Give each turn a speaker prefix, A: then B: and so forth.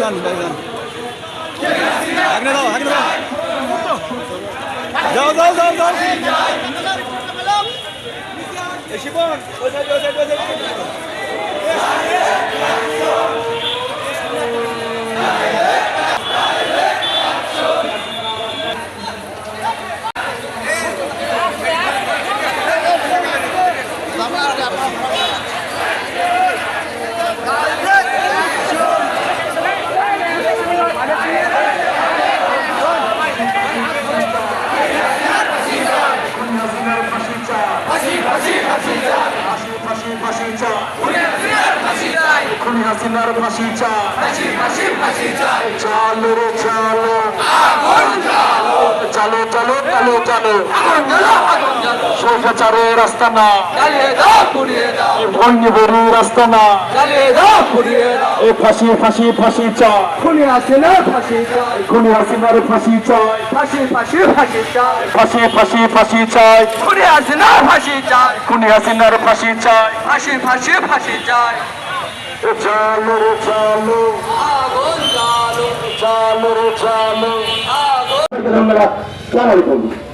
A: ভাইজান ভাইজান আগে দাও আগে দাও যাও যাও যাও যাও শিবন ওই সাইড ওই সাইড ওই সাইড
B: খুনি হাসিনার ফাঁসি চাই চালো রে চালো চালো চালো চালো চালো স্বৈরাচারের রাস্তা না ভঙ্গিবরী রাস্তা না এই ফাঁসি ফাঁসি ফাঁসি চাই
C: খুনি হাসিনার ফাঁসি চাই
B: খুনি হাসিনার ফাঁসি চাই
C: ফাঁসি ফাঁসি ফাঁসি চাই
B: ফাঁসি ফাঁসি ফাঁসি চাই
C: খুনি হাসিনার ফাঁসি চাই
B: খুনি হাসিনার ফাঁসি চাই
C: ফাঁসি ফাঁসি ফাঁসি চাই
B: চালো রে চালো
C: আগুন জ্বালো
B: চালো রে চালো
C: আগুন
B: ধন্যবাদ।